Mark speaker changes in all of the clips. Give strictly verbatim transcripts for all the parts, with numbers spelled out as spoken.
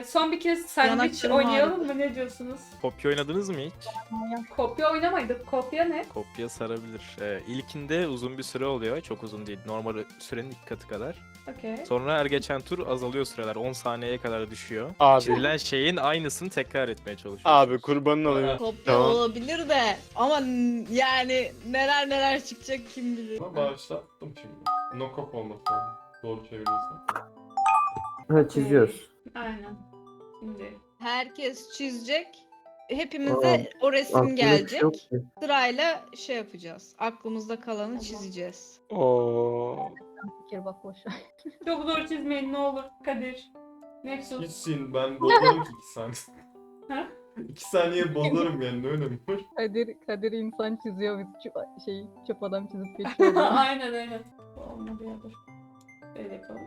Speaker 1: Son bir kez sandviç
Speaker 2: Yanaklarım
Speaker 1: oynayalım mı? Ne diyorsunuz?
Speaker 3: Kopya oynadınız mı hiç?
Speaker 1: Kopya oynamaydık. Kopya ne?
Speaker 3: Kopya sarabilir. Ee, ilkinde uzun bir süre oluyor. Çok uzun değil. Normal sürenin iki katı kadar.
Speaker 1: Okey.
Speaker 3: Sonra her geçen tur azalıyor süreler. on saniyeye kadar düşüyor.
Speaker 4: Abi.
Speaker 3: Çizilen şeyin aynısını tekrar etmeye çalışıyorsunuz.
Speaker 4: Abi kurbanın olayım.
Speaker 2: Kopya
Speaker 4: Tamam.
Speaker 2: olabilir de ama n- yani neler neler çıkacak kim bilir.
Speaker 5: Ama başlattım şimdi. No cop olması lazım. Doğru çeviriyorsan.
Speaker 6: Ha, çiziyoruz.
Speaker 1: Aynen. Şimdi.
Speaker 2: Herkes çizecek. Hepimize o resim
Speaker 6: Aklımda bir şey
Speaker 2: gelecek.
Speaker 6: yok ki.
Speaker 2: Sırayla şey yapacağız. Aklımızda kalanı çizeceğiz.
Speaker 4: Oo.
Speaker 7: Fikir bak boş ver.
Speaker 1: Çok zor çizmeyin ne olur Kadir. Nexus.
Speaker 5: Gitsin ben bozarım ki iki saniye.
Speaker 1: Ha?
Speaker 5: iki saniye bozarım yani ne önemi var?
Speaker 7: Kadir, Kadir insan çiziyor biz çöp, şey, çöp adam çizip geçiyoruz.
Speaker 1: Aynen aynen. Bu olmadı ya dur. Böyle yapalım.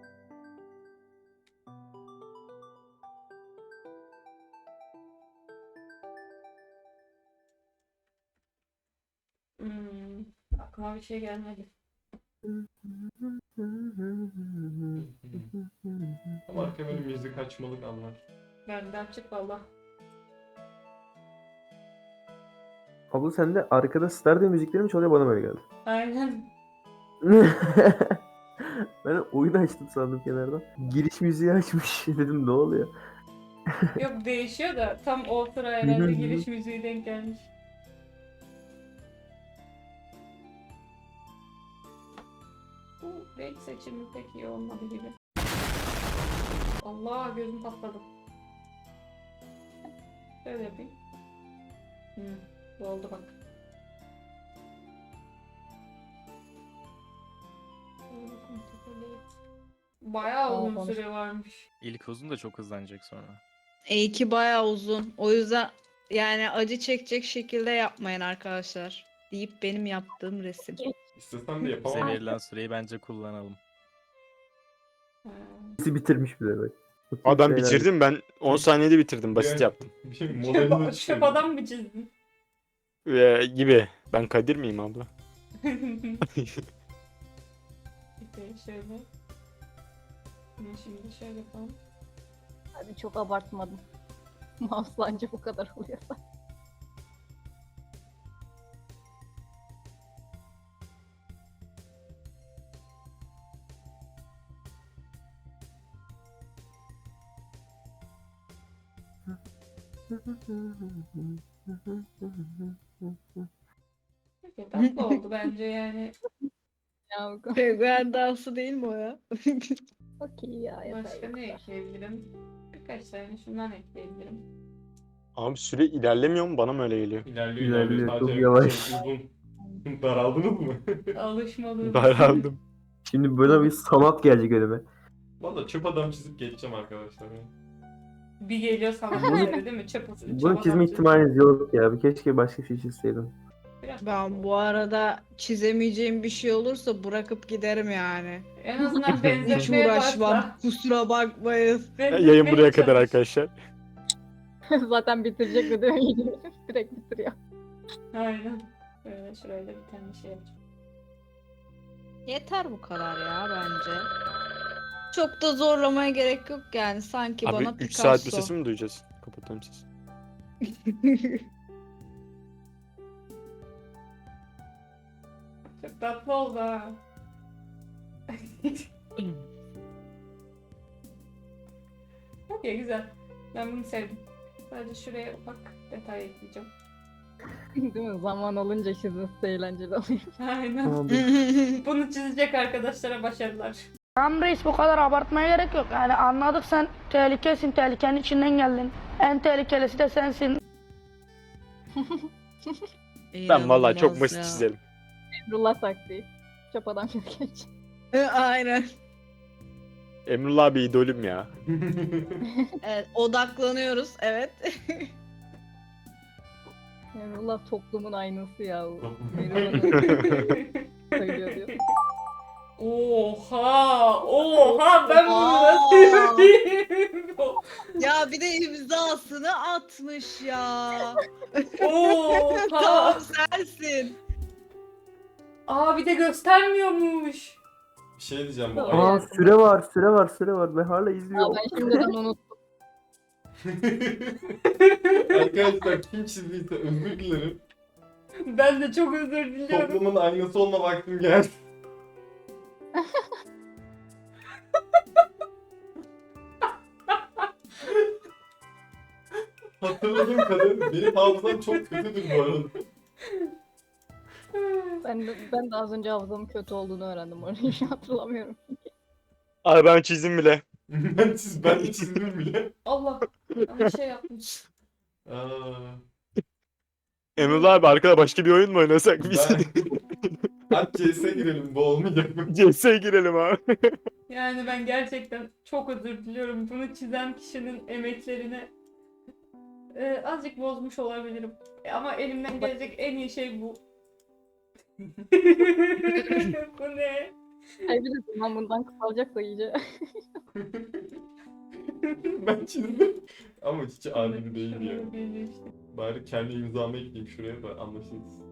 Speaker 1: Hmm, aklıma bir şey gelmedi.
Speaker 5: Ama arkaya böyle müzik açmalık anlar.
Speaker 1: Benden çık valla.
Speaker 6: Abla sen de arkada Stardew müzikleri mi çalıyor, bana böyle geldi.
Speaker 1: Aynen.
Speaker 6: Ben oyun açtım sandım kenardan. Giriş müziği açmış. Dedim ne oluyor?
Speaker 1: Yok değişiyor da tam o sıra
Speaker 6: Hı hı
Speaker 1: herhalde
Speaker 6: hı.
Speaker 1: giriş müziği denk gelmiş. Bu renk seçimi pek iyi olmadı gibi. Allah gözüm patladı. Şöyle yapayım. Hı, bu oldu bak. Bayağı uzun
Speaker 7: Tamam.
Speaker 1: süre varmış.
Speaker 3: İlk uzun da çok hızlanacak sonra.
Speaker 2: E iki bayağı uzun. O yüzden yani acı çekecek şekilde yapmayın arkadaşlar. Deyip benim yaptığım resim.
Speaker 5: İstesem de
Speaker 3: Bize
Speaker 5: yapamam.
Speaker 3: verilen süreyi bence kullanalım.
Speaker 1: Ha.
Speaker 6: Bizi bitirmiş bile bak.
Speaker 4: Adam
Speaker 6: Şeyler-
Speaker 4: bitirdim ben on saniyede bitirdim. Basit
Speaker 5: Yani-
Speaker 4: yaptım.
Speaker 5: Bir şey modelini
Speaker 1: Çöp, çöp adam mı çizdin?
Speaker 4: Ee, gibi. Ben Kadir miyim abla?
Speaker 1: Okey, şöyle. Bunu şimdi şöyle yapalım.
Speaker 7: Hadi çok abartmadım. Mouse'la anca bu kadar oluyor.
Speaker 1: Okey, tatlı oldu bence yani.
Speaker 7: Ya bu
Speaker 2: Penguen dansı değil mi o ya?
Speaker 7: okey ya. yeter
Speaker 1: Başka
Speaker 7: bu
Speaker 1: ne
Speaker 7: kadar.
Speaker 1: ekleyebilirim? Birkaç tane şundan ekleyebilirim.
Speaker 4: Abi süre ilerlemiyor mu? Bana mı öyle geliyor?
Speaker 5: İlerliyor
Speaker 6: İlerliyor,
Speaker 5: ilerliyor.
Speaker 6: çok
Speaker 5: Sadece
Speaker 6: yavaş.
Speaker 5: şey uzun. Daraldınız mı?
Speaker 1: Alışmalıyım.
Speaker 4: Daraldım.
Speaker 6: Şimdi böyle bir sanat gelecek önüme.
Speaker 5: Valla çöp adam çizip geçeceğim arkadaşlar. Yani.
Speaker 1: Bir geliyor sana böyle değil mi? Çöp çöp
Speaker 6: Bunu
Speaker 1: adam
Speaker 6: çizme
Speaker 1: çiz-
Speaker 6: ihtimaliniz yok ya. Bir keşke başka bir şey çizseydim.
Speaker 1: Biraz
Speaker 2: Ben bu arada çizemeyeceğim bir şey olursa bırakıp giderim yani.
Speaker 1: en azından
Speaker 2: Hiç
Speaker 1: benzetmeye
Speaker 2: uğraşmam.
Speaker 1: başla.
Speaker 2: Kusura bakmayın.
Speaker 4: Yayın buraya kadar arkadaşlar.
Speaker 7: Zaten bitirecek de değil mi? Direkt bitiriyor.
Speaker 1: Aynen. Böyle şuraya da bir tane şey yapacağım.
Speaker 2: Yeter bu kadar ya bence. Çok da zorlamaya gerek yok yani sanki bana
Speaker 4: Abi üç
Speaker 2: Picasso.
Speaker 4: saat bu sesi mi duyacağız? Kapatalım sesi.
Speaker 1: Çok tatlı oldu ha. Okey güzel. Ben bunu sevdim. Sadece şuraya ufak detay ekleyeceğim.
Speaker 7: Değil mi? Zaman alınca çizmesi eğlenceli oluyor.
Speaker 1: Aynen.
Speaker 6: Abi,
Speaker 1: Bunu çizecek arkadaşlara başarılar.
Speaker 8: Tamam reis bu kadar abartmaya gerek yok. Yani anladık sen tehlikesin, tehlikenin içinden geldin. En tehlikelisi de sensin.
Speaker 4: Ben vallahi çok
Speaker 2: İnanılmaz
Speaker 4: basit
Speaker 2: ya.
Speaker 4: çizerim.
Speaker 7: Emrullah taktiği. Çöp adam çizip geç.
Speaker 2: E, Aynen.
Speaker 4: Emrullah abi idolüm ya.
Speaker 2: Evet, odaklanıyoruz evet.
Speaker 7: Emrullah toplumun aynası ya. o. Emrullah söylüyor diyor.
Speaker 1: Oha! Oha! Ben bunu nasıl
Speaker 2: Oha!
Speaker 1: yapayım?
Speaker 2: Ya bir de imzasını atmış ya.
Speaker 1: Oha!
Speaker 2: Tamam sensin.
Speaker 1: Aa bir de göstermiyormuş.
Speaker 5: Bir şey diyeceğim bu
Speaker 7: Aa,
Speaker 5: ay.
Speaker 6: aa süre var, süre var, süre var. Ben hala
Speaker 7: Ya
Speaker 6: izliyorum.
Speaker 7: ben şimdiden unuttum.
Speaker 5: Arkadaşlar kim çizdiyse özür dilerim.
Speaker 1: Ben de çok özür diliyorum.
Speaker 5: Toplumun aynası olma vaktim geldi. Hatırladığım kadarıyla benim hafızam çok kötüdür bu arada.
Speaker 7: Ben de, ben de az önce hafızamın kötü olduğunu öğrendim. Onu hiç hatırlamıyorum.
Speaker 4: Abi ben çizdim bile.
Speaker 5: ben çiz, ben de çizdim bile.
Speaker 1: Allah. Ben bir şey yaptım.
Speaker 5: Aa,
Speaker 4: Emrullah abi arkada başka bir oyun mu oynasak biz?
Speaker 5: ben... Hadi C S'e girelim, bu olmayacak mı?
Speaker 4: C S'ye girelim abi.
Speaker 1: Yani ben gerçekten çok özür diliyorum. Bunu çizen kişinin emeklerini e, azıcık bozmuş olabilirim. E, ama elimden gelecek en iyi şey bu. Bu ne?
Speaker 7: Ay bir de zaman bundan kısalacak da iyice.
Speaker 5: ben çizdim. Ama hiç adil değil ya.
Speaker 1: Şunları belli işte.
Speaker 5: Bari kendi imzamı ekleyeyim şuraya da anlaşılsın.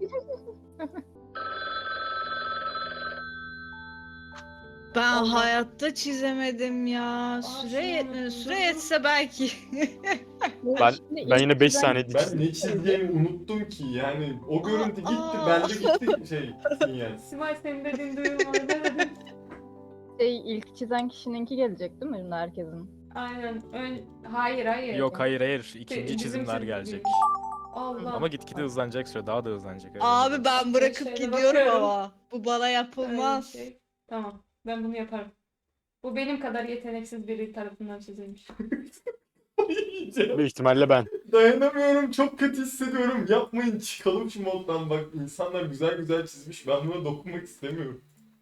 Speaker 2: Ben
Speaker 1: Allah.
Speaker 2: hayatta çizemedim ya. Süre
Speaker 1: şunu
Speaker 2: yetmedi.
Speaker 1: unuttum.
Speaker 2: Süre yetse belki.
Speaker 4: Ben
Speaker 7: Şimdi
Speaker 4: ben
Speaker 7: ilk
Speaker 4: yine beş
Speaker 7: çizen-
Speaker 4: saniye
Speaker 5: Ben
Speaker 4: çizdim.
Speaker 5: ne çizeceğimi unuttum ki yani o görüntü gitti
Speaker 2: Aa.
Speaker 5: bende gitti şey sinyal.
Speaker 1: Simay senin dediğin duyulmadı ne dedim?
Speaker 7: Şey, ilk çizen kişininki gelecek değil mi şimdi herkesin?
Speaker 1: Aynen. Ön... Hayır hayır.
Speaker 3: Yok hayır hayır.
Speaker 1: Bizim
Speaker 3: İkinci çizimler
Speaker 1: çizdiğimiz.
Speaker 3: gelecek.
Speaker 1: Allah.
Speaker 3: Ama gitgide hızlanacak süre daha da hızlanacak. öyle
Speaker 2: Abi
Speaker 3: diyeyim.
Speaker 2: ben bırakıp
Speaker 1: Şöyle
Speaker 2: gidiyorum
Speaker 1: bakıyorum.
Speaker 2: ama. Bu bana
Speaker 1: Öyle bir
Speaker 2: yapılmaz.
Speaker 1: şey. Tamam. Ben bunu yaparım. Bu benim kadar yeteneksiz biri tarafından çizilmiş.
Speaker 5: Yiyeceğim.
Speaker 4: Büyük ihtimalle ben.
Speaker 5: Dayanamıyorum çok kötü hissediyorum yapmayın çıkalım şu moddan bak insanlar güzel güzel çizmiş ben buna dokunmak istemiyorum.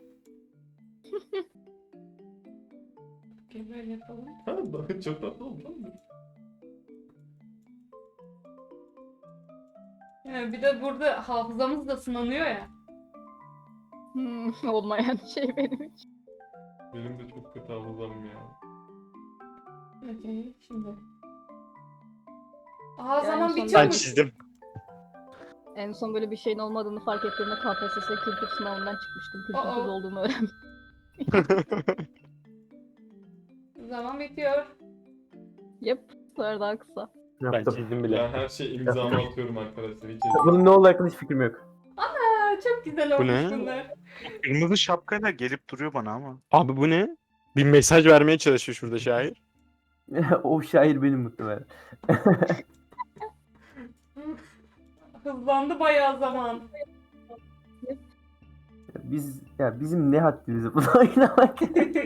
Speaker 1: Okey böyle yapalım.
Speaker 5: Ha daha çok tatlı oldu lan.
Speaker 1: Yani bir de burada hafızamız da sınanıyor ya.
Speaker 7: Hmm, olmayan şey benim için.
Speaker 5: Benim de çok kötü hafızam ya.
Speaker 1: Okey şimdi. Aa
Speaker 7: Yani
Speaker 1: zaman
Speaker 7: son-
Speaker 4: Ben
Speaker 1: bitiyormuş.
Speaker 4: çizdim.
Speaker 7: En son böyle bir şeyin olmadığını fark ettiğimde K P S S kültür sınavından çıkmıştım. Kültürsüz
Speaker 1: Aa.
Speaker 7: olduğumu öğrendim.
Speaker 1: Zaman bitiyor.
Speaker 7: Yep. Bu sefer daha kısa.
Speaker 4: Ben
Speaker 6: Yaptım.
Speaker 4: çizdim bile.
Speaker 5: Ben her şey imzamı atıyorum arkadaşlar hiç
Speaker 6: Bunun ne olduğu hakkında hiç fikrim yok.
Speaker 1: Aa, çok güzel olmuş
Speaker 4: ne?
Speaker 1: bunlar.
Speaker 9: Kırmızı şapkayla gelip duruyor bana ama.
Speaker 4: Abi bu ne? Bir mesaj vermeye çalışıyor şurada şair.
Speaker 6: O şair benim muhtemelen.
Speaker 1: Hızlandı bayağı zaman.
Speaker 6: Biz ya bizim ne haddimize buna oynamak.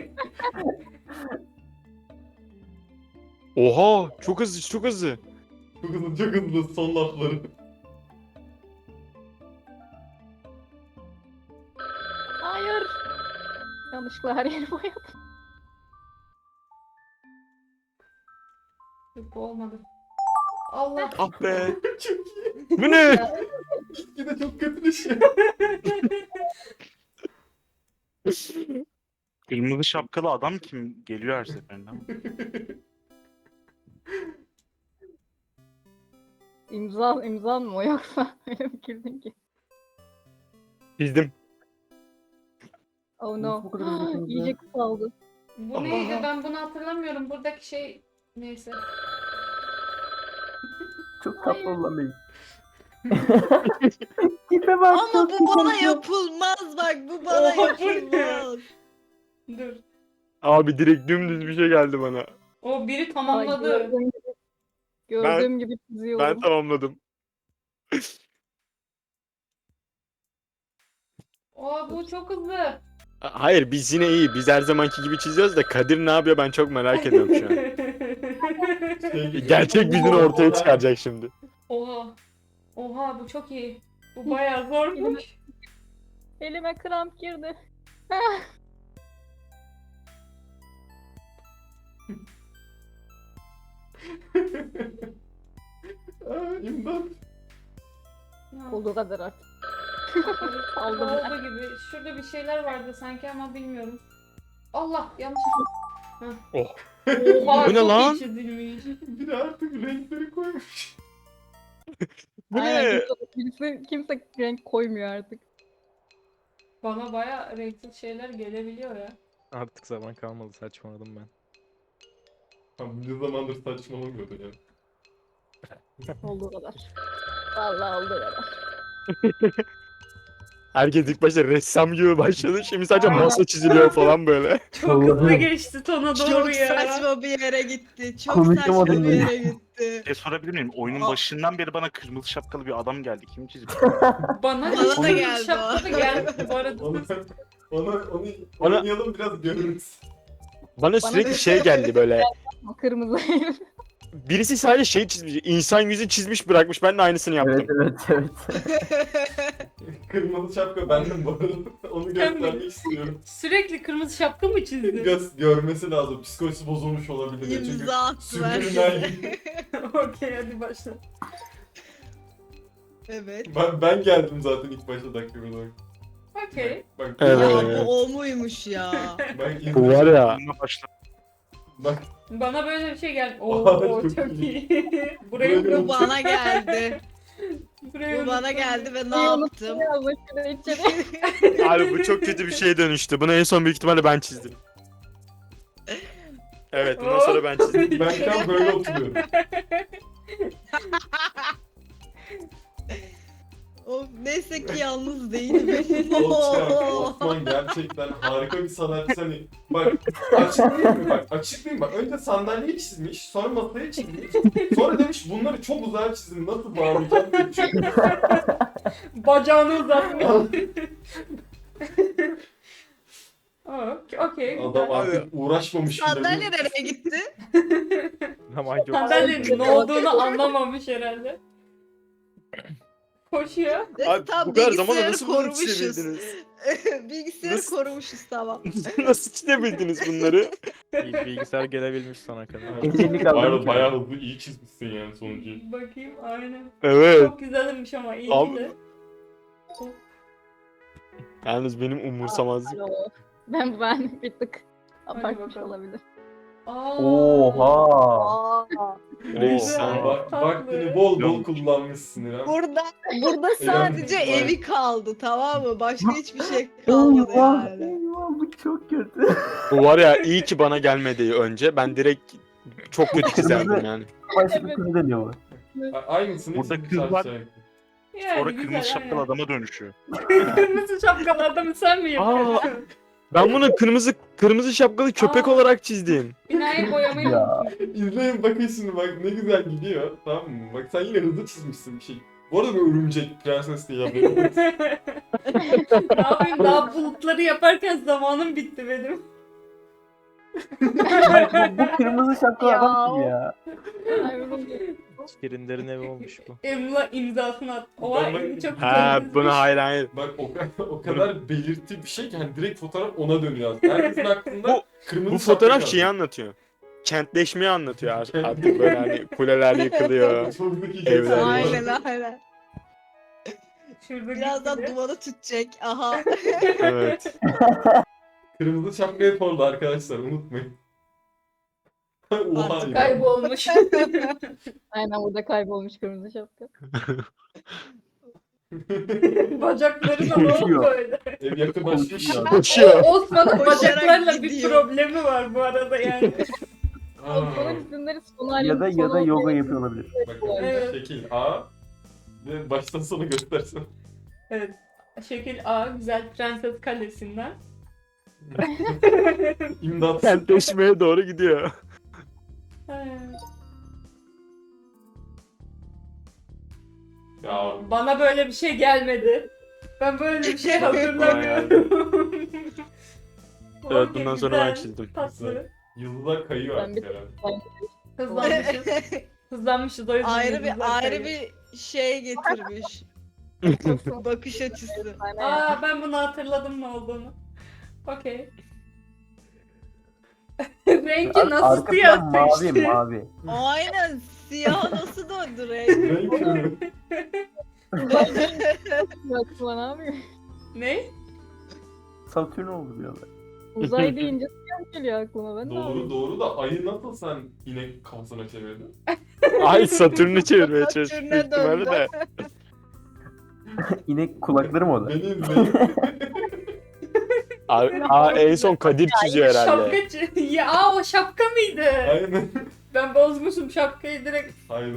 Speaker 4: Oha çok hızlı çok hızlı.
Speaker 5: Çok hızlı çok hızlı son lafları.
Speaker 7: Hayır. Yanlışlıkla her yeri boyadım.
Speaker 1: Yok bu olmadı. Allah.
Speaker 4: Ah be.
Speaker 5: çok iyi.
Speaker 4: Bu ne?
Speaker 5: Yine çok kötü bir şey.
Speaker 9: Kırmızı şapkalı adam kim geliyor her seferinde ama.
Speaker 7: İmza, imza mı o yoksa? Öyle mi girdin ki?
Speaker 4: Çizdim.
Speaker 7: Oh
Speaker 6: Nasıl
Speaker 7: no.
Speaker 6: bu kadar hızlı çizdi?
Speaker 7: İyice kısaldı.
Speaker 1: Bu neydi? Ben bunu hatırlamıyorum. Buradaki şey neyse.
Speaker 6: Çok tatlı olan benim. Tipe bak.
Speaker 2: Ama
Speaker 6: çok
Speaker 2: bu bana
Speaker 6: güzel.
Speaker 2: yapılmaz bak. Bu bana
Speaker 1: Oha, bu ne?
Speaker 2: yapılmaz.
Speaker 1: Dur.
Speaker 4: Abi direkt dümdüz bir şey geldi bana.
Speaker 1: O biri
Speaker 7: Ay,
Speaker 1: tamamladı.
Speaker 7: gördüğüm gibi, gördüğüm gibi çiziyorum.
Speaker 4: Ben tamamladım.
Speaker 1: Aa bu çok hızlı.
Speaker 4: Hayır biz yine iyi. Biz her zamanki gibi çiziyoruz da Kadir ne yapıyor ben çok merak ediyorum şu an.
Speaker 5: Şey,
Speaker 4: Gerçek yüzünü ortaya çıkaracak şimdi.
Speaker 1: Oha. Oha bu çok iyi. Bu bayağı zormuş.
Speaker 7: Elime kramp girdi.
Speaker 5: Aa, imdat.
Speaker 7: Olduğu kadar artık.
Speaker 1: Aldım.
Speaker 7: Aldım.
Speaker 1: Oldu gibi. Şurada bir şeyler vardı sanki ama bilmiyorum. Allah yanlış. Heh.
Speaker 4: Oh.
Speaker 1: Oha
Speaker 4: Bu ne
Speaker 1: çok
Speaker 4: lan?
Speaker 1: iyi çizilmiş.
Speaker 5: Biri artık renkleri koymuş.
Speaker 4: Bu
Speaker 7: Aynen,
Speaker 4: ne?
Speaker 7: kimse, kimse, kimse renk koymuyor artık.
Speaker 1: Bana bayağı renksiz şeyler gelebiliyor ya.
Speaker 3: Artık zaman kalmadı saçmaladım ben.
Speaker 5: Ne zamandır saçmalamıyordu ya.
Speaker 7: Olduğu kadar. Vallahi olduğu kadar.
Speaker 4: Herkes ilk başta ressam gibi başladı. Şimdi sadece
Speaker 1: Aynen.
Speaker 4: masa çiziliyor falan böyle.
Speaker 1: Çok hızlı
Speaker 6: Allah'ım.
Speaker 1: geçti tona doğru
Speaker 2: Çok
Speaker 1: ya.
Speaker 2: saçma bir yere gitti. Çok
Speaker 6: Konuşamadım
Speaker 2: saçma bir
Speaker 6: ben.
Speaker 2: yere gitti.
Speaker 9: E sorabilir miyim? Oyunun
Speaker 2: Aa.
Speaker 9: başından beri bana kırmızı şapkalı bir adam geldi. Kim çizdi?
Speaker 1: Bana
Speaker 2: Bana
Speaker 1: hiç
Speaker 2: da
Speaker 1: bir
Speaker 2: geldi
Speaker 1: şapka da
Speaker 2: o.
Speaker 1: geldi bu arada.
Speaker 5: Onu, onu, onu
Speaker 4: Bana-
Speaker 5: oynayalım biraz görürüz.
Speaker 4: Bana sürekli şey geldi böyle.
Speaker 7: Kırmızı.
Speaker 4: Birisi sadece şey çizmiş. İnsan yüzü çizmiş bırakmış. Ben de aynısını yaptım.
Speaker 6: Evet evet evet.
Speaker 5: Kırmızı şapka benden bu arada. Onu göstermek istiyorum.
Speaker 1: Sürekli kırmızı şapka mı çizdin?
Speaker 5: Göz görmesi lazım. Psikolojisi bozulmuş olabilir. ya. Çünkü
Speaker 2: İmza attılar.
Speaker 5: Sürdürülen gibi.
Speaker 1: Okey hadi başla.
Speaker 2: Evet.
Speaker 5: Ben, ben geldim zaten ilk başta dakika olarak.
Speaker 1: Okey.
Speaker 5: Bak,
Speaker 4: Evet.
Speaker 2: Ya bu o muymuş ya?
Speaker 5: Ben
Speaker 4: Bu var ya.
Speaker 9: Bununla başla.
Speaker 5: Bak
Speaker 1: Bana böyle bir şey geldi. Oo,
Speaker 5: Aa,
Speaker 1: oo,
Speaker 5: çok
Speaker 1: çok
Speaker 5: iyi.
Speaker 1: iyi. Burayı
Speaker 5: Böyle
Speaker 2: Bu bana geldi.
Speaker 1: burayı
Speaker 2: Bu bana
Speaker 1: unuttum.
Speaker 2: geldi ve ne
Speaker 7: İyi
Speaker 2: yaptım?
Speaker 7: unuttum ya, başına içeri.
Speaker 4: Abi bu çok kötü bir şeye dönüştü. Bunu en son büyük ihtimalle ben çizdim. Evet bundan sonra ben çizdim.
Speaker 5: ben şu an böyle oturuyorum.
Speaker 2: Of, neyse ki yalnız değilim.
Speaker 5: Osman, Osman gerçekten harika bir sanatçı. Hani bak açıklayayım mı? Bak açıklayayım bak. Önce sandalyeyi çizmiş, sonra masayı çizmiş. Sonra demiş bunları çok uzağa çizdim. Nasıl bağlayacağım diye düşünüyorum.
Speaker 1: Bacağını uzatmış. Okey, okey.
Speaker 5: Adam
Speaker 1: güzel.
Speaker 5: artık uğraşmamış bile.
Speaker 2: Sandalye nereye gitti?
Speaker 3: Ama yok.
Speaker 1: Sandalyenin ne olduğunu anlamamış herhalde. Koşuyor.
Speaker 4: Abi
Speaker 2: Tam
Speaker 4: bu kadar zamanda
Speaker 2: bilgisayarı
Speaker 4: nasıl bunu
Speaker 2: korumuşuz.
Speaker 4: çizebildiniz?
Speaker 2: Bilgisayarı
Speaker 4: Nasıl-
Speaker 2: korumuşuz tamam.
Speaker 4: Nasıl çizebildiniz bunları?
Speaker 3: Bil- Bilgisayar gelebilmiş sana kadar.
Speaker 6: Elini
Speaker 5: Bayağı,
Speaker 6: kaldırmış.
Speaker 5: bayağı hızlı iyi çizmişsin yani sonucu.
Speaker 1: Bakayım aynen.
Speaker 4: Evet.
Speaker 1: Çok güzelmiş ama iyi
Speaker 4: Abi-
Speaker 1: ki de.
Speaker 4: Yalnız benim umursamazlık.
Speaker 7: Alo. Ben ben bir tık abartmış
Speaker 1: bakalım.
Speaker 7: olabilir.
Speaker 1: Aa,
Speaker 6: Oha.
Speaker 4: Reis
Speaker 1: Güzel.
Speaker 4: sen.
Speaker 5: Bak,
Speaker 1: Tatlı.
Speaker 5: vaktini bol bol kullanmışsın İrem.
Speaker 2: Burada burada sadece
Speaker 5: var.
Speaker 2: evi kaldı tamam mı? Başka hiçbir şey kalmadı
Speaker 6: Eyvah.
Speaker 2: yani.
Speaker 6: Eyvah bu çok kötü.
Speaker 4: Bu var ya iyi ki bana gelmedi önce. Ben direkt çok kötü çizerdim yani.
Speaker 6: Başka bir kız deniyor bu.
Speaker 5: A- Aynısını
Speaker 9: Burada
Speaker 5: çizmiş
Speaker 9: kız var.
Speaker 5: aşağıya.
Speaker 1: Yani
Speaker 9: Sonra
Speaker 1: güzel,
Speaker 9: kırmızı şapkalı
Speaker 1: aynen.
Speaker 9: adama dönüşüyor.
Speaker 1: Kırmızı şapkalı adamı sen mi yapıyorsun?
Speaker 4: Ben bunu kırmızı kırmızı şapkalı köpek
Speaker 1: Aa.
Speaker 4: olarak çizdim.
Speaker 1: Binayı boyamayı
Speaker 6: Ya.
Speaker 1: unutmuşum.
Speaker 5: İzleyin bakın şimdi bak ne güzel gidiyor. Tamam mı? Bak sen yine hızlı çizmişsin bir şey. Bu arada bir örümcek prenses diye haberim var.
Speaker 1: Ne yapayım daha bulutları yaparken zamanım bitti benim.
Speaker 6: bu, bu kırmızı şapkalı
Speaker 7: Ya.
Speaker 6: adam kim ya?
Speaker 7: Ay, oğlum.
Speaker 3: Şirinlerin evi olmuş bu.
Speaker 1: Emla imzasını at. Oha
Speaker 5: Ben-
Speaker 1: Emre çok
Speaker 4: Ha
Speaker 1: güzel
Speaker 4: bunu
Speaker 1: çizmiş.
Speaker 4: hayır hayır.
Speaker 5: Bak o, kadar- o kadar belirti bir şey ki hani direkt fotoğraf ona dönüyor aslında. Herkesin aklında
Speaker 4: Bu-
Speaker 5: kırmızı
Speaker 4: Bu
Speaker 5: şapka
Speaker 4: fotoğraf
Speaker 5: kaldı.
Speaker 4: şeyi anlatıyor. Kentleşmeyi anlatıyor artık artık böyle hani kuleler yıkılıyor.
Speaker 5: Çok zeki
Speaker 4: Evler
Speaker 5: insan.
Speaker 2: Aynen aynen.
Speaker 1: Şurada
Speaker 2: Birazdan
Speaker 1: gitti.
Speaker 2: dumanı tütecek. Aha.
Speaker 4: Evet.
Speaker 5: Kırmızı şapka hep orada arkadaşlar unutmayın. Oha
Speaker 2: Artık
Speaker 5: ya.
Speaker 1: Kaybolmuş.
Speaker 7: Aynen burada kaybolmuş kırmızı şapka.
Speaker 1: Bacakları da ne oldu
Speaker 6: Koşuyor.
Speaker 1: böyle?
Speaker 5: Ev yakınlaşmış.
Speaker 4: Koşuyor.
Speaker 1: O, Osman'ın
Speaker 2: Koşarak
Speaker 1: bacaklarla bir
Speaker 2: gidiyor.
Speaker 1: problemi var bu arada yani.
Speaker 5: Aa,
Speaker 7: Osman'ın isimleri son
Speaker 6: Ya da ya da yoga yapıyor olabilir.
Speaker 5: Bakın
Speaker 1: Evet.
Speaker 5: şekil A. Ve baştan sona göstersen.
Speaker 1: Evet. Şekil A güzel Prenses Kalesi'nden.
Speaker 5: İmdat.
Speaker 4: Kentleşmeye doğru gidiyor.
Speaker 5: Ya
Speaker 1: Bana böyle bir şey gelmedi. Ben böyle bir şey hatırlamıyorum.
Speaker 4: Evet
Speaker 1: Okey,
Speaker 4: bundan sonra ben
Speaker 1: güzel,
Speaker 4: çizdim.
Speaker 1: Tatlı.
Speaker 5: yıldızlar kayıyor
Speaker 7: Ben
Speaker 5: artık
Speaker 7: bir-
Speaker 5: herhalde.
Speaker 1: Hızlanmışız. Hızlanmışız o yüzden.
Speaker 2: ayrı
Speaker 1: yıldızlar
Speaker 2: bir ayrı
Speaker 1: kayıyor.
Speaker 2: bir şey getirmiş. Bakış açısı.
Speaker 7: Aynen.
Speaker 1: Aa ben bunu hatırladım ne olduğunu. Okey. Renki nasıl
Speaker 6: Arkasından
Speaker 1: siyah
Speaker 6: mavi
Speaker 1: seçti?
Speaker 6: mavi.
Speaker 2: Aynen siyah nasıl döndü renk?
Speaker 5: Renk körü.
Speaker 7: Aklıma ne yapıyor?
Speaker 1: Ne?
Speaker 6: Satürn oldu diyorlar.
Speaker 7: Uzay deyince siyah geliyor aklıma. Ben de
Speaker 5: Doğru doğru da ayı nasıl sen inek kafasına çevirdin?
Speaker 4: Ay Satürn'ü çevirmeye çalıştık
Speaker 2: Satürn'e
Speaker 4: büyük ihtimalle
Speaker 2: döndü.
Speaker 4: de.
Speaker 6: İnek kulakları mı o da?
Speaker 5: Benim renk...
Speaker 4: Abi, aa, en son Kadir çiziyor herhalde.
Speaker 1: Şapkacı. Ya aa, o şapka mıydı?
Speaker 5: Aynen.
Speaker 1: Ben bozmuşum şapkayı direkt.
Speaker 5: Hayır.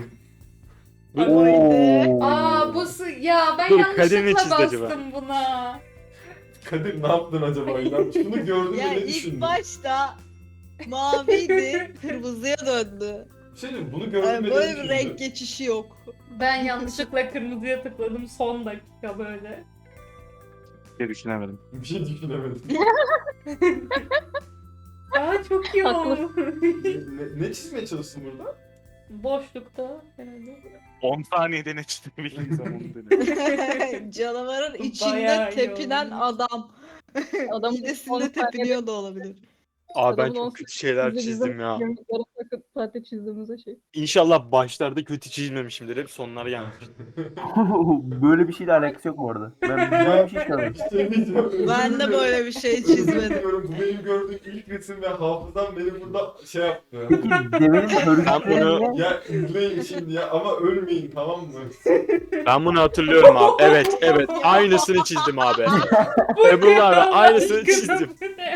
Speaker 6: Oo.
Speaker 1: Aa bu sı- ya ben
Speaker 4: Dur, Kadir ne
Speaker 1: yanlışlıkla
Speaker 4: çizdi acaba?
Speaker 1: bastım buna.
Speaker 5: Kadir ne yaptın acaba İlhan? Şunu gördün
Speaker 2: Ya
Speaker 5: mü ne
Speaker 2: ilk
Speaker 5: düşündün?
Speaker 2: başta maviydi, kırmızıya döndü.
Speaker 5: Bir şey diyeyim, bunu gördün
Speaker 2: Yani
Speaker 5: mü ne
Speaker 2: böyle bir
Speaker 5: düşündün?
Speaker 2: renk geçişi yok.
Speaker 1: Ben yanlışlıkla kırmızıya tıkladım son dakika böyle.
Speaker 9: Bir düşünemedim.
Speaker 5: Bir şey düşünemedim.
Speaker 1: Aa çok iyi
Speaker 7: Haklı.
Speaker 1: oldu.
Speaker 5: ne, ne çizmeye çalıştın burada?
Speaker 1: Boşlukta herhalde.
Speaker 9: on saniyede ne çizebildiğin zaman dene.
Speaker 2: Canavarın
Speaker 1: Bayağı
Speaker 2: içinde
Speaker 1: iyi
Speaker 2: tepinen
Speaker 1: olmuş.
Speaker 2: adam.
Speaker 7: Adam
Speaker 2: Midesinde tepiniyor da olabilir.
Speaker 4: Aa ben
Speaker 7: Adamın
Speaker 4: çok
Speaker 7: on
Speaker 4: kötü şeyler
Speaker 7: Bize-
Speaker 4: çizdim
Speaker 7: bize
Speaker 4: ya.
Speaker 7: yarım saat- saatte çizdiğimize şey.
Speaker 4: İnşallah başlarda kötü çizmemişimdir. Hep sonları yanlış.
Speaker 6: Böyle bir şeyle alakası yok bu arada. Ben böyle bir şey çaldım.
Speaker 5: Bir şey diyeceğim. özür
Speaker 2: Ben de
Speaker 5: dilerim.
Speaker 2: böyle bir şey
Speaker 5: Özür
Speaker 2: çizmedim.
Speaker 5: diliyorum. Bu benim gördüğüm ilk resim ve hafızam beni burada şey yaptı.
Speaker 6: Peki devenin
Speaker 4: Ben
Speaker 6: örgütleri
Speaker 4: bunu-
Speaker 6: ne?
Speaker 5: Ya izleyin şimdi ya ama ölmeyin tamam mı?
Speaker 4: Ben bunu hatırlıyorum abi. Evet evet. Aynısını çizdim abi. Ebru'la abi aynısını çizdim.
Speaker 1: Bu ne?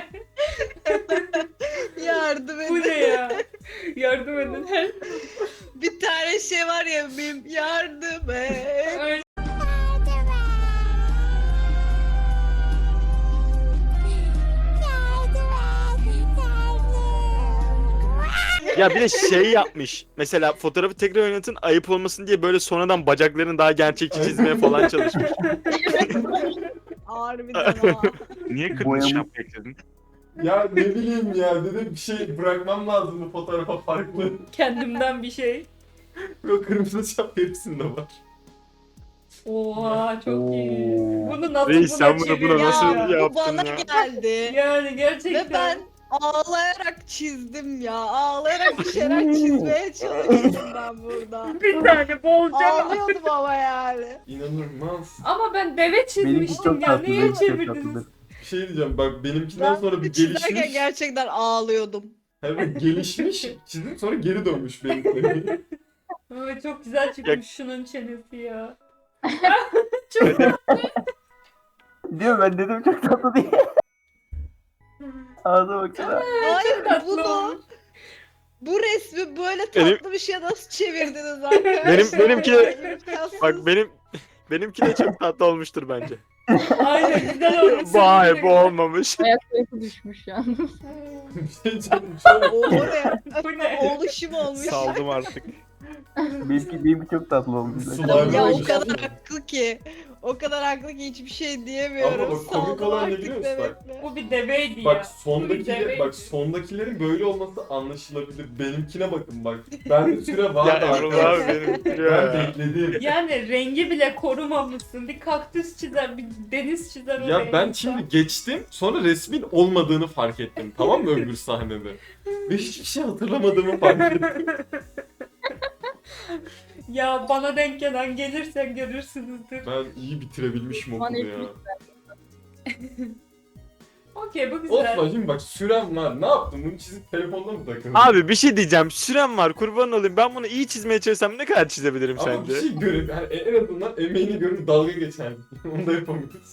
Speaker 2: Yardım
Speaker 1: Bu
Speaker 2: edin.
Speaker 1: ne ya? Yardım edin.
Speaker 2: Bir tane şey var ya benim yardım et.
Speaker 1: Öyle-
Speaker 4: Ya bir de şey yapmış. Mesela fotoğrafı tekrar oynatın ayıp olmasın diye böyle sonradan bacaklarını daha gerçekçi çizmeye falan çalışmış.
Speaker 2: Harbiden ha.
Speaker 9: Niye kırmızı
Speaker 6: Boyamı-
Speaker 9: şapka ekledin?
Speaker 5: Ya ne bileyim ya dedim bir şey bırakmam lazım bu fotoğrafa farklı.
Speaker 1: Kendimden bir şey.
Speaker 5: Yok kırmızı şap hepsinde var.
Speaker 1: Oha çok iyi.
Speaker 6: Oo.
Speaker 1: Bunu nasıl
Speaker 4: Reis,
Speaker 1: buna
Speaker 4: sen bunu-
Speaker 1: çevirdin
Speaker 4: buna nasıl
Speaker 1: ya?
Speaker 4: ya-
Speaker 2: Bu bana
Speaker 4: ya?
Speaker 2: geldi.
Speaker 1: Yani gerçekten.
Speaker 2: Ve ben ağlayarak çizdim ya. Ağlayarak bir şeyler çizmeye çalıştım ben burada.
Speaker 1: bir tane bolca.
Speaker 2: Ağlıyordum ama yani.
Speaker 5: İnanılmaz.
Speaker 1: Ama ben deve
Speaker 6: Benimki
Speaker 1: çizmiştim
Speaker 6: çok
Speaker 1: ya.
Speaker 6: tatlı.
Speaker 1: Niye
Speaker 6: Benimki çok
Speaker 1: çevirdiniz?
Speaker 6: tatlıdır.
Speaker 5: Bir şey diyeceğim bak benimkinden
Speaker 2: Ben
Speaker 5: sonra bir
Speaker 2: çizerken
Speaker 5: gelişmiş.
Speaker 2: gerçekten ağlıyordum.
Speaker 5: Evet gelişmiş çizdim sonra geri dönmüş benimki.
Speaker 1: Ay, çok güzel çıkmış şunun çenesi ya.
Speaker 6: Diyor ben dedim çok tatlı diye. Ağza baksana.
Speaker 2: Hayır
Speaker 1: tatlı
Speaker 2: bunu
Speaker 1: olmuş.
Speaker 2: bu resmi böyle
Speaker 4: Benim-
Speaker 2: tatlı bir şeye nasıl çevirdiniz arkadaşlar?
Speaker 4: Benim- benimki de-
Speaker 2: İmkansız.
Speaker 4: Bak benim benimki de çok tatlı olmuştur bence.
Speaker 1: Aynen güzel olmuş.
Speaker 4: Vay bu olmamış.
Speaker 7: Ayak sayısı düşmüş yalnız.
Speaker 5: bir şey diyeceğim. Şöyle
Speaker 2: O, o ne?
Speaker 1: Bu ne?
Speaker 2: Oluşum olmuş.
Speaker 3: Saldım artık.
Speaker 6: Benimki, benimki çok tatlı olmuş.
Speaker 5: Slime
Speaker 2: Ya o
Speaker 5: olmuş.
Speaker 2: kadar haklı ki. O kadar haklı ki hiçbir şey diyemiyorum.
Speaker 5: Ama bak, komik
Speaker 2: Saldım
Speaker 5: olan ne
Speaker 2: artık
Speaker 5: biliyor musun? Bak.
Speaker 2: demekle.
Speaker 1: Bu bir deveydi ya.
Speaker 5: Bak
Speaker 1: Bu bir
Speaker 5: sondakiler,
Speaker 1: deveydi.
Speaker 5: bak sondakilerin böyle olması anlaşılabilir. Benimkine bakın bak. Bende süre var
Speaker 4: Ya
Speaker 5: da
Speaker 4: Emrullah
Speaker 5: arkadaşlar.
Speaker 4: abi benim
Speaker 5: Ben
Speaker 4: ya.
Speaker 5: bekledim.
Speaker 1: Yani rengi bile korumamışsın. Bir kaktüs çizer, bir deniz çizer oraya.
Speaker 5: Ya ben
Speaker 1: insan.
Speaker 5: şimdi geçtim sonra resmin olmadığını fark ettim tamam mı öbür sahnede? Ve hiçbir şey hatırlamadığımı fark ettim.
Speaker 1: Ya bana denk gelen gelirsen görürsünüzdür.
Speaker 5: Ben iyi bitirebilmişim okulu
Speaker 7: Hani
Speaker 5: ya.
Speaker 1: Okey bu güzel.
Speaker 5: Osman şimdi bak sürem var. Ne yaptın? Bunu çizip telefonda mı takıldın?
Speaker 4: Abi bir şey diyeceğim. Sürem var kurban olayım. Ben bunu iyi çizmeye çalışsam ne kadar çizebilirim
Speaker 5: Ama
Speaker 4: sence?
Speaker 5: bir şey görüp yani en azından emeğini görüp dalga geçer. Onu da yapamıyoruz.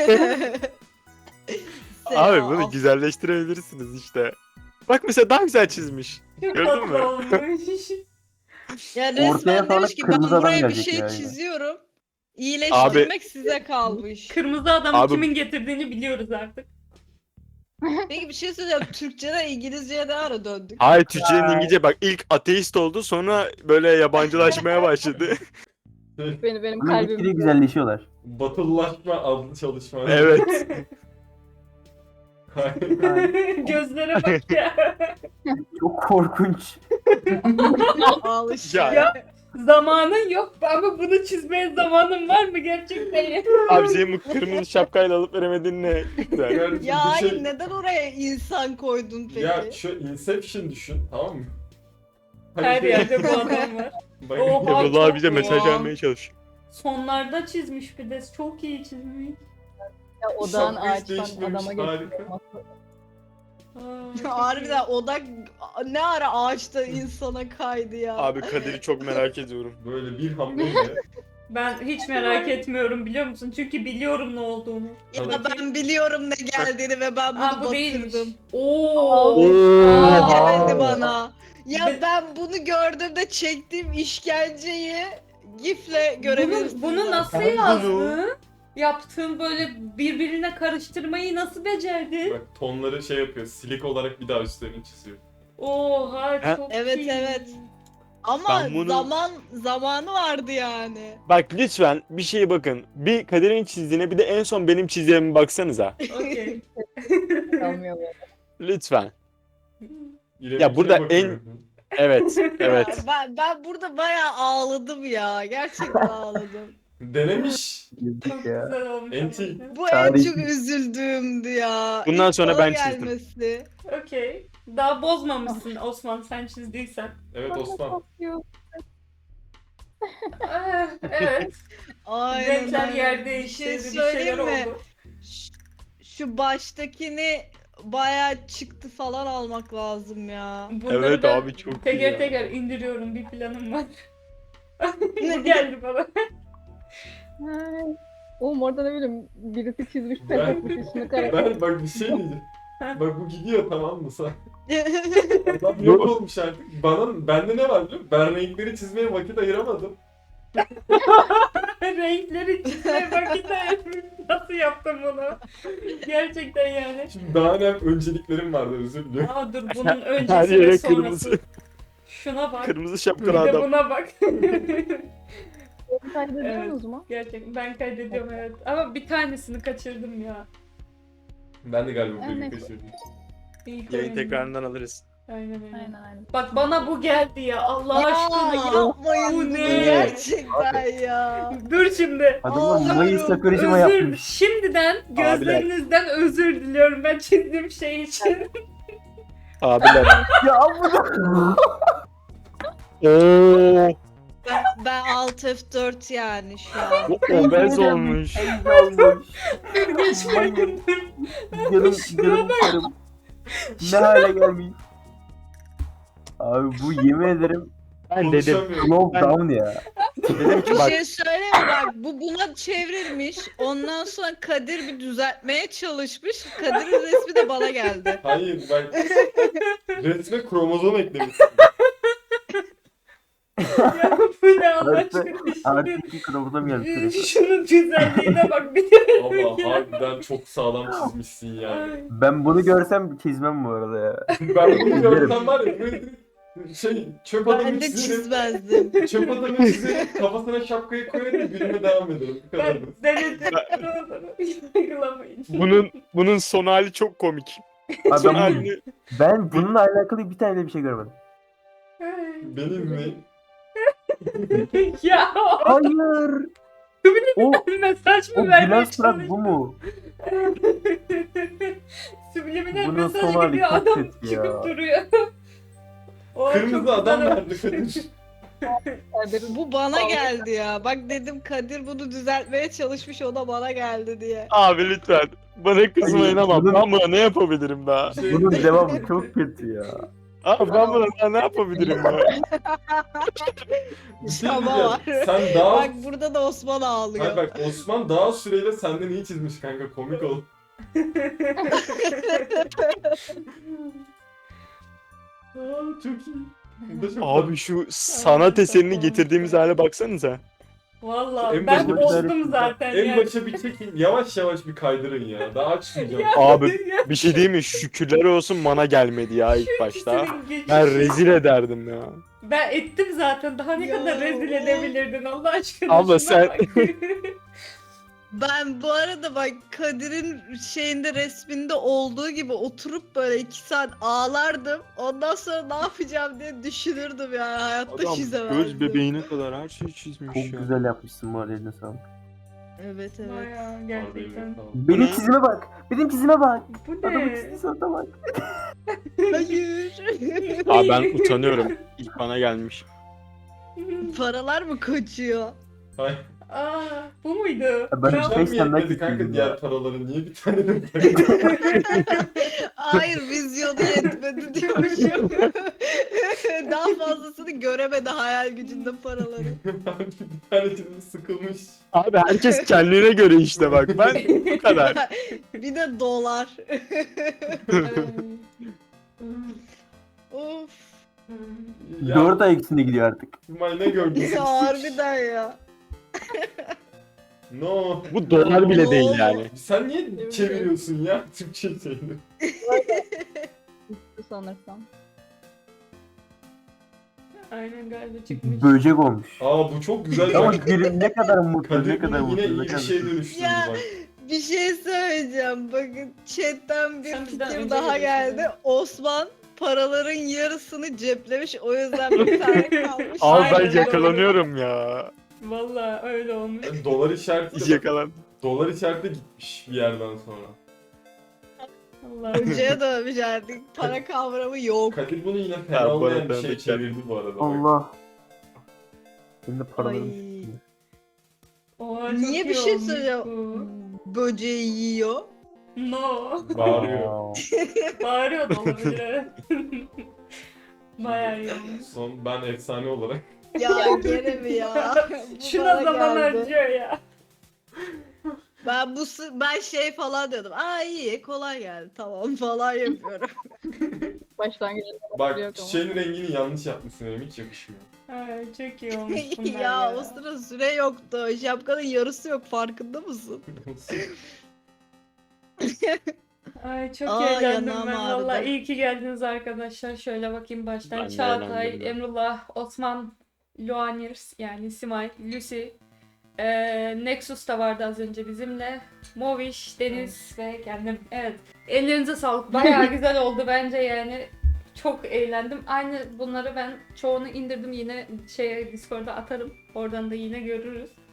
Speaker 4: Abi bunu güzelleştirebilirsiniz işte. Bak mesela daha güzel çizmiş.
Speaker 1: Çok
Speaker 4: Gördün mü?
Speaker 1: tatlı olmuş.
Speaker 2: Ya
Speaker 6: Ortaya
Speaker 2: resmen
Speaker 6: falan
Speaker 2: demiş ki ben
Speaker 6: kırmızı adam
Speaker 2: buraya bir
Speaker 6: gelecek
Speaker 2: şey
Speaker 6: yani.
Speaker 2: çiziyorum. İyileştirmek size kalmış.
Speaker 1: Kırmızı adamı
Speaker 4: Abi-
Speaker 1: kimin getirdiğini biliyoruz artık.
Speaker 2: Peki bir şey söyleyeceğim. Türkçeden İngilizceye ne ara döndük?
Speaker 4: Hayır Türkçenin İngilizce bak ilk ateist oldu sonra böyle yabancılaşmaya başladı.
Speaker 7: Beni benim
Speaker 6: Ama gitgide
Speaker 7: kalbim.
Speaker 6: güzelleşiyorlar.
Speaker 5: Batılılaşma adlı çalışma.
Speaker 4: Evet.
Speaker 1: Gözlere bak ya.
Speaker 6: Çok korkunç.
Speaker 2: Al işte.
Speaker 4: Ya.
Speaker 1: Ya. Zamanın yok ama bunu çizmeye zamanın var mı gerçekten?
Speaker 4: Abi senin bu kırmızı şapkayla alıp veremedin ne? Güzel.
Speaker 5: Yani
Speaker 2: Ya
Speaker 5: bu
Speaker 2: hayır
Speaker 5: şey-
Speaker 2: neden oraya insan koydun peki?
Speaker 5: Ya şu Inception düşün tamam mı? Hani
Speaker 1: Her
Speaker 5: şey-
Speaker 1: yerde bu adam var.
Speaker 5: Bak,
Speaker 1: Oha.
Speaker 4: Emrullah
Speaker 1: çok
Speaker 4: bize mesaj
Speaker 1: doğal.
Speaker 4: vermeye çalışıyor.
Speaker 1: Sonlarda çizmiş bir de çok iyi çizmiş.
Speaker 7: Ya odağın
Speaker 5: Şapka hiç
Speaker 7: ağaçtan
Speaker 5: değişmemiş,
Speaker 7: adama
Speaker 5: harika.
Speaker 7: geçiyor.
Speaker 1: Aa, çok
Speaker 2: Harbiden
Speaker 1: iyi.
Speaker 2: odak ne ara ağaçta insana kaydı ya.
Speaker 4: Abi Kadir'i çok merak ediyorum.
Speaker 5: Böyle bir hamleyle
Speaker 1: Ben hiç merak etmiyorum biliyor musun? Çünkü biliyorum ne olduğunu.
Speaker 2: Ya
Speaker 5: Tabii.
Speaker 2: ben biliyorum ne geldiğini ve ben bunu
Speaker 1: Aa bu değilmiş.
Speaker 2: batırdım.
Speaker 1: Oo.
Speaker 2: Aa,
Speaker 1: Aa.
Speaker 2: demedi bana. Ya
Speaker 1: Be-
Speaker 2: ben bunu gördüğümde çektiğim işkenceyi gifle görebilirsiniz.
Speaker 1: Bunu, bunu nasıl
Speaker 4: Ben bunu-
Speaker 1: yazdın? Yaptığın böyle birbirine karıştırmayı nasıl becerdin?
Speaker 5: Bak tonları şey yapıyor. Silik olarak bir daha üstlerini çiziyor.
Speaker 1: Oha
Speaker 4: Ben-
Speaker 1: çok
Speaker 2: Evet,
Speaker 1: iyi.
Speaker 2: evet. Ama
Speaker 4: Ben bunu-
Speaker 2: zaman zamanı vardı yani.
Speaker 4: Bak lütfen bir şeye bakın. Bir Kadir'in çizdiğine bir de en son benim çizdiğime baksanıza.
Speaker 1: Okey.
Speaker 7: Kalmıyor böyle.
Speaker 4: Lütfen.
Speaker 5: İrem'inkine
Speaker 4: Ya burada
Speaker 5: bakıyorum.
Speaker 4: Evet, evet.
Speaker 2: Ya ben, ben burada bayağı ağladım ya. Gerçekten ağladım.
Speaker 5: Denemiş.
Speaker 6: Yazık ya.
Speaker 1: Güzel olmuş.
Speaker 5: Enti.
Speaker 1: ama.
Speaker 2: Bu en
Speaker 6: Tarih-
Speaker 2: çok üzüldüğümdü ya.
Speaker 4: Bundan
Speaker 2: İlk
Speaker 4: sonra
Speaker 2: bana
Speaker 4: ben çizdim.
Speaker 2: gelmesi.
Speaker 1: Okey. Daha bozmamışsın Osman sen çizdiysen.
Speaker 5: Evet Osman.
Speaker 1: Ah, evet.
Speaker 2: Aynen
Speaker 1: Renkler
Speaker 2: öyle.
Speaker 1: yer
Speaker 2: Bir
Speaker 1: değişti.
Speaker 2: şey
Speaker 1: Bir şeyler
Speaker 2: söyleyeyim mi?
Speaker 1: oldu.
Speaker 2: Ş- Şu baştakini bayağı çıktı falan almak lazım ya.
Speaker 1: Bunları
Speaker 4: Evet
Speaker 1: ben
Speaker 4: abi, çok iyi
Speaker 1: teker
Speaker 4: ya.
Speaker 1: teker indiriyorum bir planım var. Bu geldi bana.
Speaker 7: Oğlum orada ne bileyim birisi çizmiş
Speaker 5: Ben-
Speaker 7: pes etmiş üstünü kare.
Speaker 5: Ben bak bir şey diyeceğim. Bak bu gidiyor tamam mı sen? Adam yok
Speaker 4: Yok.
Speaker 5: olmuş artık. Bana, bende ne var biliyor musun? Ben renkleri çizmeye vakit ayıramadım.
Speaker 1: Renkleri çizmeye vakit ayırmış. Nasıl yaptım bunu? Gerçekten yani.
Speaker 5: Şimdi daha ne önceliklerim vardı özür diliyorum.
Speaker 1: Aa dur bunun
Speaker 4: Her
Speaker 1: öncesi
Speaker 4: yere
Speaker 1: ve sonrası.
Speaker 4: kırmızı.
Speaker 1: Şuna bak.
Speaker 4: Kırmızı
Speaker 1: Bir
Speaker 4: şapkalı
Speaker 1: de
Speaker 4: adam.
Speaker 1: buna bak.
Speaker 7: Kaydediyorsunuz mu?
Speaker 1: Gerçekten ben kaydediyorum evet. Ama bir tanesini kaçırdım ya.
Speaker 5: Ben de galiba
Speaker 7: Evet.
Speaker 5: bir kaçırdım.
Speaker 1: İyi
Speaker 4: Yayın
Speaker 1: koyun.
Speaker 4: tekrarından alırız.
Speaker 1: Aynen aynen.
Speaker 7: Aynen aynen.
Speaker 1: Bak bana bu geldi ya Allah
Speaker 2: Ya
Speaker 1: aşkına.
Speaker 2: yapmayın
Speaker 1: Bu
Speaker 2: bunu
Speaker 1: ne?
Speaker 2: gerçekten ya.
Speaker 1: Dur şimdi.
Speaker 6: Adamlar
Speaker 2: Ağlıyorum.
Speaker 6: Mayıs sakarışıma
Speaker 1: Özür,
Speaker 6: yapmış.
Speaker 1: şimdiden gözlerinizden özür diliyorum ben çizdiğim şey için.
Speaker 4: Abiler.
Speaker 6: Ya bu
Speaker 4: Oo,
Speaker 2: Ben, ben alt F dört yani şu an.
Speaker 4: bu obez olmuş.
Speaker 6: olmuş.
Speaker 1: Geçmedim.
Speaker 6: Canım,
Speaker 1: Şuna
Speaker 6: canım karım. Ne hale gelmiş. Abi bu yemin ederim
Speaker 4: Ben dedim.
Speaker 5: Konuşamıyorum.
Speaker 6: slow
Speaker 4: Ben-
Speaker 6: down ya.
Speaker 4: Dedim ki
Speaker 2: Bir
Speaker 4: bak
Speaker 2: şey söyleyeyim mi? Bak bu buna çevrilmiş. Ondan sonra Kadir bir düzeltmeye çalışmış. Kadir'in resmi de bana geldi.
Speaker 5: Hayır bak resme kromozom eklemişsin.
Speaker 1: Ya bu ne Allah
Speaker 6: Artı-
Speaker 1: aşkına.
Speaker 6: Artık iki kromozom geldi
Speaker 1: Şunun,
Speaker 6: sürekli.
Speaker 1: şunun güzelliğine bak bir de.
Speaker 5: Allah harbiden çok sağlam çizmişsin yani.
Speaker 1: Ay.
Speaker 6: Ben bunu görsem çizmem bu arada ya.
Speaker 5: Ben bunu görsem var ya böyle şey çöp adamı
Speaker 2: Ben de
Speaker 5: çizerim.
Speaker 2: çizmezdim.
Speaker 5: Çöp adamı çizerim kafasına şapkayı koyarım gülüme devam ederim. Bu kadar.
Speaker 1: Ben denedim. Yargılamayın.
Speaker 4: bunun bunun son hali çok komik.
Speaker 6: Abi
Speaker 4: Son
Speaker 6: ben,
Speaker 4: halini
Speaker 6: ben bununla alakalı bir tane de bir şey görmedim.
Speaker 5: Beni izleyin.
Speaker 1: Ya
Speaker 6: Hayır. O,
Speaker 1: mesaj
Speaker 6: o
Speaker 1: mı vermeye
Speaker 6: Gülen surat
Speaker 1: çalıştın?
Speaker 6: bu mu?
Speaker 1: Subliminal
Speaker 6: Bunun
Speaker 1: mesaj
Speaker 6: son hali
Speaker 1: gidiyor
Speaker 6: çok
Speaker 1: adam
Speaker 6: kötü ya.
Speaker 1: çıkıp duruyor. O
Speaker 5: Kırmızı
Speaker 1: çok
Speaker 5: adam
Speaker 1: güzel.
Speaker 5: nerede Kadir?
Speaker 7: Kadir'in
Speaker 2: Bu bana geldi ya. Bak dedim Kadir bunu düzeltmeye çalışmış o da bana geldi diye.
Speaker 4: Abi lütfen. Bana kızmayın ama
Speaker 6: Bunun-
Speaker 4: ben buna ne yapabilirim daha?
Speaker 5: Şey,
Speaker 6: Bunun devamı çok kötü ya.
Speaker 4: Abi ben buna daha ne yapabilirim ya?
Speaker 5: bir şey
Speaker 2: Şama
Speaker 5: diyeceğim.
Speaker 2: var.
Speaker 5: Sen daha...
Speaker 2: Bak burada da Osman ağlıyor.
Speaker 5: Hayır bak Osman daha süreyle senden iyi çizmiş kanka komik ol. Aa, çok iyi. Bu da çok
Speaker 4: Abi şu sanat eserini getirdiğimiz hale baksanıza.
Speaker 1: Valla
Speaker 5: En
Speaker 1: ben
Speaker 5: başta-
Speaker 1: bozdum zaten
Speaker 5: En
Speaker 1: yani.
Speaker 5: başa bir çekin. Yavaş yavaş bir kaydırın ya. Daha açmayacağım.
Speaker 4: Abi bir şey diyeyim mi? Şükürler olsun bana gelmedi ya ilk başta.
Speaker 1: İkisinin geçişi-
Speaker 4: Ben rezil ederdim ya.
Speaker 1: Ben ettim zaten. Daha ne
Speaker 2: Ya.
Speaker 1: kadar rezil edebilirdin Allah aşkına.
Speaker 4: Abla
Speaker 1: şuna
Speaker 4: sen-
Speaker 1: bak.
Speaker 2: Ben bu arada bak Kadir'in şeyinde resminde olduğu gibi oturup böyle iki saat ağlardım. Ondan sonra ne yapacağım diye düşünürdüm yani hayatta
Speaker 4: Adam
Speaker 2: çizemezdim.
Speaker 4: göz bebeğine kadar her şeyi çizmiş
Speaker 6: Çok
Speaker 4: ya.
Speaker 6: güzel yapmışsın bu arada eline sağlık.
Speaker 2: Evet evet.
Speaker 1: Bayağı gerçekten.
Speaker 6: Benim çizime bak. Benim çizime bak.
Speaker 1: Bu
Speaker 6: Adamın
Speaker 1: ne?
Speaker 6: çizdiği surata bak.
Speaker 2: Hayır.
Speaker 4: Abi ben utanıyorum. İlk bana gelmiş.
Speaker 2: Paralar mı kaçıyor?
Speaker 5: Hayır.
Speaker 1: Aa, bu muydu?
Speaker 6: Ben
Speaker 1: Bravo.
Speaker 5: Sen
Speaker 6: beş
Speaker 5: mi
Speaker 6: tane daha
Speaker 5: yetmedi kanka
Speaker 6: getirdim
Speaker 5: diğer
Speaker 6: ya.
Speaker 5: paraları? Niye bir tane de
Speaker 2: Hayır vizyonu yetmedi diyormuşum. daha fazlasını göremedi hayal gücünde paraları.
Speaker 5: Bir tane canım sıkılmış.
Speaker 4: Abi herkes kendine göre işte bak. Ben bu kadar.
Speaker 2: Bir de dolar. Of.
Speaker 5: Ya,
Speaker 6: Dört ay ikisinde gidiyor artık.
Speaker 5: İsmail ne gördün?
Speaker 2: Ya harbiden ya.
Speaker 5: No.
Speaker 4: Bu dolar bile değil yani.
Speaker 5: Sen niye çeviriyorsun ya Türkçe şeyini?
Speaker 7: Sanırsam.
Speaker 1: Aynen galiba çıkmış.
Speaker 6: Böcek olmuş.
Speaker 5: Aa bu çok güzel.
Speaker 6: Ama
Speaker 5: Bak,
Speaker 6: gülüm ne kadar mutlu,
Speaker 5: Kadir
Speaker 6: ne kadar
Speaker 5: bunu
Speaker 6: mutlu.
Speaker 5: yine
Speaker 6: ne
Speaker 5: iyi bir
Speaker 6: kadar
Speaker 5: şeye
Speaker 6: mutlu.
Speaker 5: dönüştürdü
Speaker 2: Ya.
Speaker 5: bak.
Speaker 2: Bir şey söyleyeceğim. Bakın chatten bir
Speaker 1: Sen bizden
Speaker 2: fikir
Speaker 1: önce
Speaker 2: daha
Speaker 1: geliyorsun
Speaker 2: geldi.
Speaker 1: ya.
Speaker 2: Osman paraların yarısını ceplemiş. O yüzden bir tane kalmış.
Speaker 4: Al
Speaker 1: Aynen,
Speaker 4: ben yakalanıyorum ya.
Speaker 1: Vallahi öyle olmuş.
Speaker 5: Yani dolar işareti de,
Speaker 4: Yakalan.
Speaker 5: dolar işareti de gitmiş bir yerden sonra.
Speaker 1: Allah'ım.
Speaker 2: Hocaya dönmüş artık. Para kavramı yok.
Speaker 5: Kadir bunu yine
Speaker 4: Ha,
Speaker 5: fena
Speaker 4: bu
Speaker 5: olmayan
Speaker 4: arada
Speaker 5: bir şey
Speaker 4: ben de
Speaker 5: çevirdi bu arada. bak.
Speaker 6: Allah. Benim de paralarım.
Speaker 2: Ay.
Speaker 1: Oha, çok
Speaker 2: Niye bir
Speaker 1: iyi
Speaker 2: şey
Speaker 1: olmuş
Speaker 2: söyleyeceğim?
Speaker 1: bu.
Speaker 2: Böceği yiyor.
Speaker 1: No.
Speaker 5: Bağırıyor.
Speaker 1: Bağırıyor da olabilir evet. Bayağı iyi olmuş.
Speaker 5: Son ben efsane olarak.
Speaker 2: Ya gene mi ya? Bu
Speaker 1: Şuna
Speaker 2: bana
Speaker 1: zaman
Speaker 2: geldi.
Speaker 1: harcıyor ya.
Speaker 2: Ben bu sı- ben şey falan diyordum. Aa iyi kolay geldi tamam falan yapıyorum.
Speaker 7: Başlangıçta
Speaker 5: Bak
Speaker 7: yok ama.
Speaker 5: çiçeğin rengini yanlış yapmışsın benim hiç yakışmıyor.
Speaker 1: Ay, çok iyi olmuş bunlar ya.
Speaker 2: ya o sıra süre yoktu. Şapkanın yarısı yok farkında mısın?
Speaker 1: Ay çok
Speaker 2: Aa,
Speaker 1: eğlendim
Speaker 2: yanağım
Speaker 1: ben
Speaker 2: ağrıdı.
Speaker 1: valla. İyi ki geldiniz arkadaşlar. Şöyle bakayım baştan.
Speaker 4: Ben de
Speaker 1: Çağatay,
Speaker 4: eğlendim.
Speaker 1: Emrullah, Osman, Luanirs yani Simay, Lucy, eee, Nexus da vardı az önce bizimle. Moviş, Deniz ve kendim. Evet. Ellerinize sağlık. Bayağı güzel oldu bence yani. Çok eğlendim. Aynı bunları ben çoğunu indirdim yine şeye Discord'a atarım. Oradan da yine görürüz.